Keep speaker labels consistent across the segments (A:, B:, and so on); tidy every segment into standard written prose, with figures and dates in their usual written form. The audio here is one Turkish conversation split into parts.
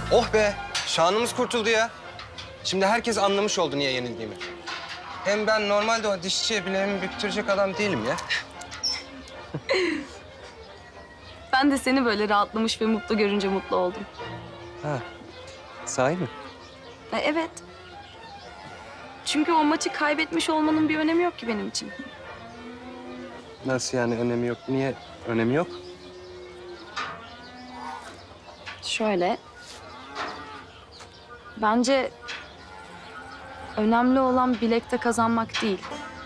A: Oh be, şanımız kurtuldu ya. Şimdi herkes anlamış oldu niye yenildiğimi. Hem ben normalde o dişçiye bileğimi büktürecek adam değilim ya.
B: Ben de seni böyle rahatlamış ve mutlu görünce mutlu oldum.
A: Ha, sahi mi?
B: Evet. Çünkü o maçı kaybetmiş olmanın bir önemi yok ki benim için.
A: Nasıl yani önemi yok? Niye önemi yok?
B: Şöyle. Bence önemli olan bilekte kazanmak değil.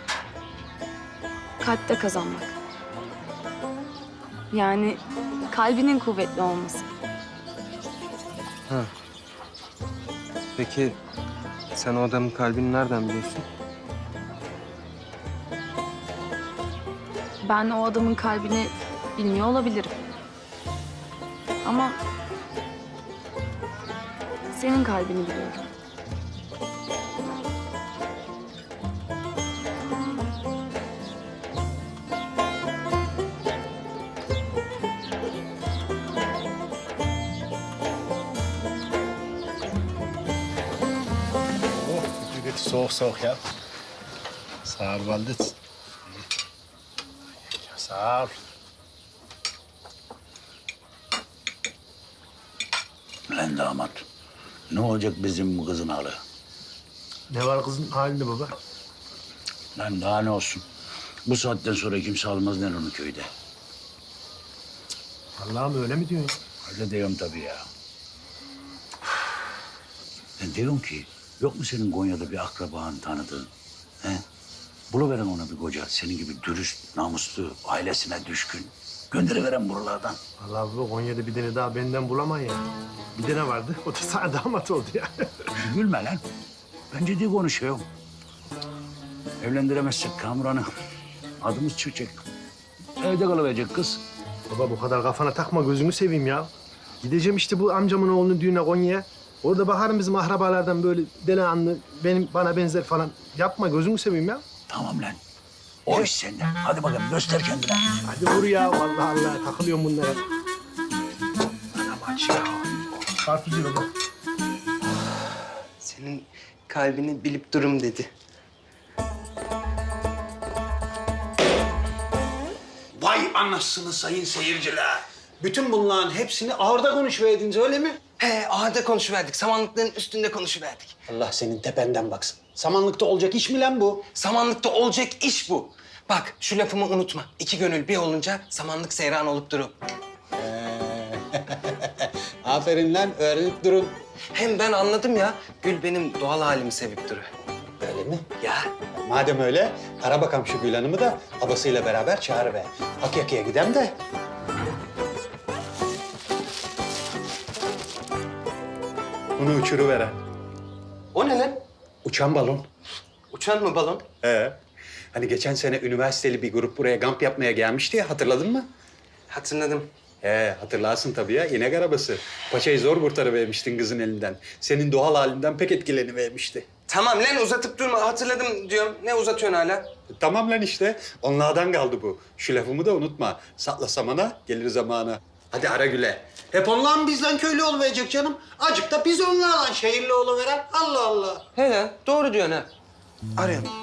B: Kalpte kazanmak. Yani kalbinin kuvvetli olması.
A: Ha. Peki sen o adamın kalbini nereden biliyorsun?
B: Ben o adamın kalbini bilmiyor olabilirim. Ama senin kalbini biliyorum.
C: Oh, dit is soğuk ya. Sağ ol Valdet. Sağ ol.
D: Lan damat, ne olacak bizim bu kızın hali?
C: Ne var kızın halinde baba?
D: Lan daha ne olsun? Bu saatten sonra kimse almaz lan onu köyde.
C: Allah'ım öyle mi diyorsun?
D: Öyle diyorum tabii ya. Ben diyorum ki, yok mu senin Konya'da bir akraban tanıdığın? He? Buluveren ona bir koca, senin gibi dürüst, namuslu, ailesine düşkün. Gönderiveren buralardan.
C: Allah bu Konya'da bir tane daha benden bulamayın ya. Bir tane vardı, o da sana damat oldu ya.
D: Gülme lan. Ben ciddi konuşuyorum. Evlendiremezsek Kamuran'ı adımız çıkacak. Evde kalıverecek kız.
C: Baba bu kadar kafana takma, gözünü seveyim ya. Gideceğim işte bu amcamın oğlunun düğüne Konya'ya. Orada bakarım bizim akrabalardan böyle delikanlı, bana benzer falan. Yapma, gözünü seveyim ya.
D: Tamam lan. O iş sende. Hadi bakalım göster kendine.
C: Hadi vur ya, vallahi Allah takılıyorum bunlara. Anam aç ya. Karpuz yiyor baba.
A: Senin kalbini bilip durum dedi.
E: Vay anasını sayın seyirciler. Bütün bunların hepsini ağırda konuşuverdiniz öyle mi?
A: He, ahırda konuşuverdik. Samanlıkların üstünde konuşuverdik.
E: Allah senin tependen baksın. Samanlıkta olacak iş mi lan bu?
A: Samanlıkta olacak iş bu. Bak şu lafımı unutma. İki gönül bir olunca samanlık seyran olup durur.
E: Aferin lan öğrenip durun.
A: Hem ben anladım ya. Gül benim doğal halimi sevip duruyor.
E: Öyle mi?
A: Ya
E: Madem öyle ara bakalım şu Gül Hanım'ı da babasıyla beraber çağır be. Akyaka'ya gidem de. Bunu uçuruveren.
A: o ne lan?
E: Uçan balon.
A: Uçan mı balon?
E: Hani geçen sene üniversiteli bir grup buraya kamp yapmaya gelmişti ya, hatırladın mı?
A: Hatırladım.
E: Hatırlarsın tabii ya, inek arabası. Paçayı zor kurtarıvermiştin kızın elinden. Senin doğal halinden pek etkilenivermişti.
A: Tamam lan uzatıp durma. Hatırladım diyorum. Ne uzatıyorsun hala?
E: Tamam lan işte, onlardan kaldı bu. Şu lafımı da unutma. Sakla samana, gelir zamana. Hadi ara güle. Hep onlar mı bizden köylü oluverecek canım? Acık da biz onlarla şehirli oluveren. Allah Allah.
A: He lan doğru diyorsun ha. Arıyorum.